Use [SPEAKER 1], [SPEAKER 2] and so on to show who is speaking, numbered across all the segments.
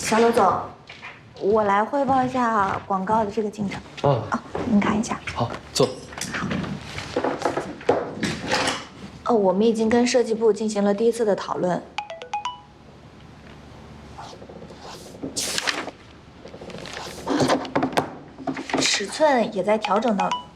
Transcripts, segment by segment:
[SPEAKER 1] 小罗总，我来汇报一下广告的这个进程。您看一下。
[SPEAKER 2] 好，坐。
[SPEAKER 1] 我们已经跟设计部进行了第一次的讨论。尺寸也在调整当中。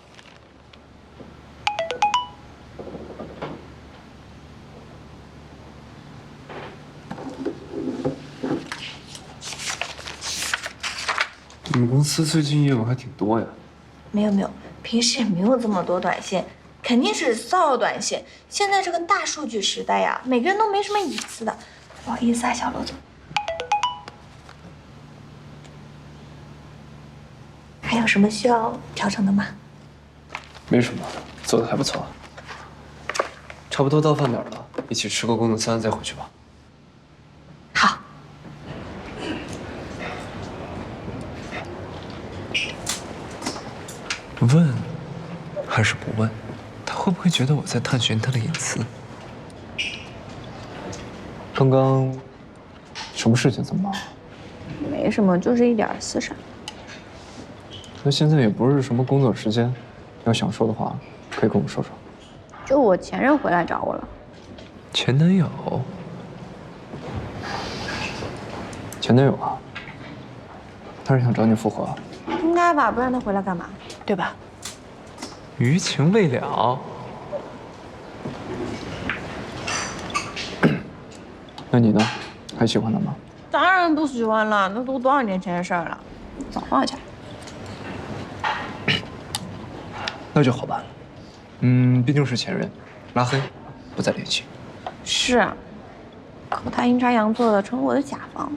[SPEAKER 2] 你们公司最近业务还挺多呀？
[SPEAKER 1] 没有，平时也没有这么多短信，肯定是骚扰短信。现在这个大数据时代呀，每个人都没什么隐私的。不好意思啊，小罗总。还有什么需要调整的吗？
[SPEAKER 2] 没什么，做的还不错。差不多到饭点了，一起吃个工作餐再回去吧。
[SPEAKER 1] 好。
[SPEAKER 2] 问还是不问？他会不会觉得我在探寻他的隐私？刚刚什么事情？这么忙？
[SPEAKER 1] 没什么，就是一点私事。
[SPEAKER 2] 那现在也不是什么工作时间，要想说的话，可以跟我说说。
[SPEAKER 1] 就我前任回来找我了。
[SPEAKER 2] 前男友？前男友啊？他是想找你复合？
[SPEAKER 1] 应该吧，不然他回来干嘛？对吧？
[SPEAKER 2] 余情未了。那你呢？还喜欢他吗？
[SPEAKER 1] 当然不喜欢了，那都多少年前的事儿了，早放下。
[SPEAKER 2] 那就好办了。毕竟是前任，拉黑，不再联系。
[SPEAKER 1] 是，可他阴差阳错的成了我的甲方。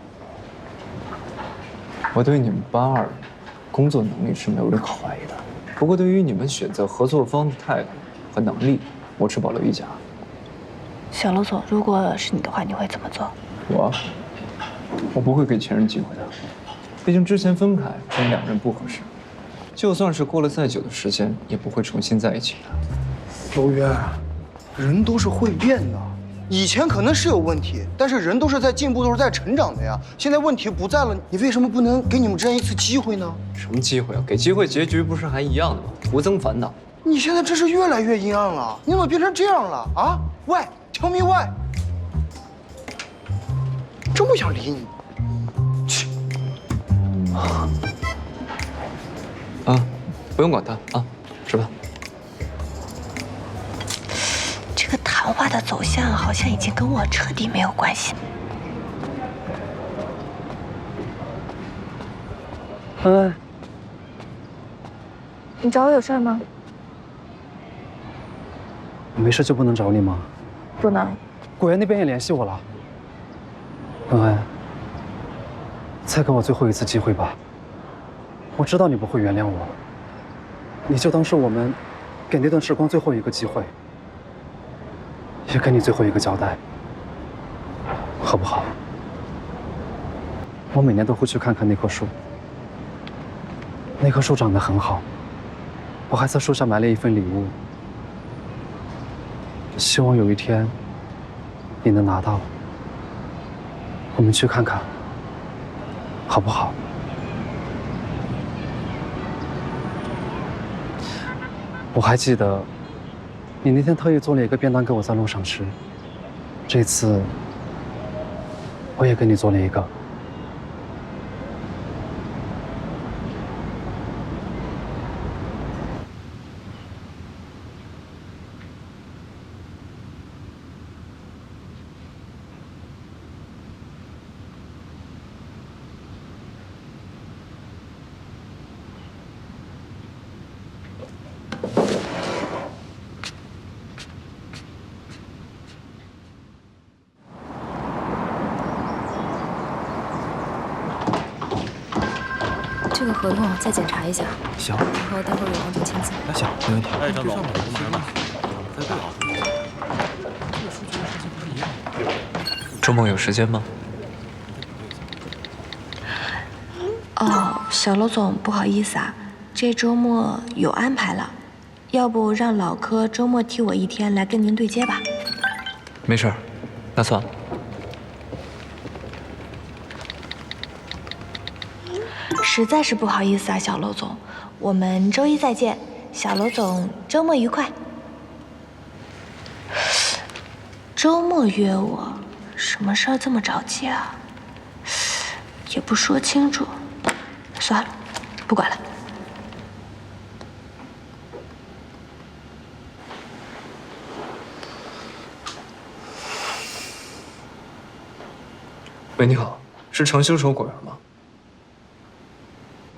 [SPEAKER 2] 我对你们班二工作能力是没有任何怀疑的，不过对于你们选择合作方的态度和能力，我持保留意见。
[SPEAKER 1] 小罗总，如果是你的话，你会怎么做？
[SPEAKER 2] 我不会给前任机会的，毕竟之前分开，我们两人不合适，就算是过了再久的时间，也不会重新在一起的。
[SPEAKER 3] 周渊，人都是会变的，以前可能是有问题，但是人都是在进步，都是在成长的呀。现在问题不在了，你为什么不能给你们之间一次机会呢？
[SPEAKER 2] 什么机会啊？给机会，结局不是还一样的吗？徒增烦恼。
[SPEAKER 3] 你现在真是越来越阴暗了，你怎么变成这样了啊？Why？ Tell me why？ 真不想理你。去。
[SPEAKER 2] 不用管他啊，吃饭。
[SPEAKER 1] 这个谈话的走向好像已经跟我彻底没有关系。
[SPEAKER 4] 恩恩，
[SPEAKER 1] 你找我有事吗？
[SPEAKER 4] 没事就不能找你吗？
[SPEAKER 1] 不能。
[SPEAKER 4] 果园那边也联系我了。恩恩，再给我最后一次机会吧。我知道你不会原谅我，你就当是我们给那段时光最后一个机会，也给你最后一个交代，好不好？我每年都会去看看那棵树，那棵树长得很好，我还在树下埋了一份礼物，希望有一天你能拿到。我们去看看，好不好？我还记得，你那天特意做了一个便当给我在路上吃，这次我也给你做了一个。
[SPEAKER 5] 这个合同再检查一下。
[SPEAKER 4] 行。
[SPEAKER 5] 然后待会儿有王总签字。
[SPEAKER 4] 行，没问题。
[SPEAKER 6] 哎，张总，您来了。再对好。
[SPEAKER 2] 周末有时间吗？
[SPEAKER 1] 小罗总，不好意思啊，这周末有安排了，要不让老柯周末替我一天来跟您对接吧？
[SPEAKER 2] 没事儿，那算了。
[SPEAKER 1] 实在是不好意思啊，小楼总，我们周一再见。小楼总，周末愉快。周末约我，什么事儿这么着急啊？也不说清楚，算了，不管了。
[SPEAKER 2] 喂，你好，是程修手果园吗？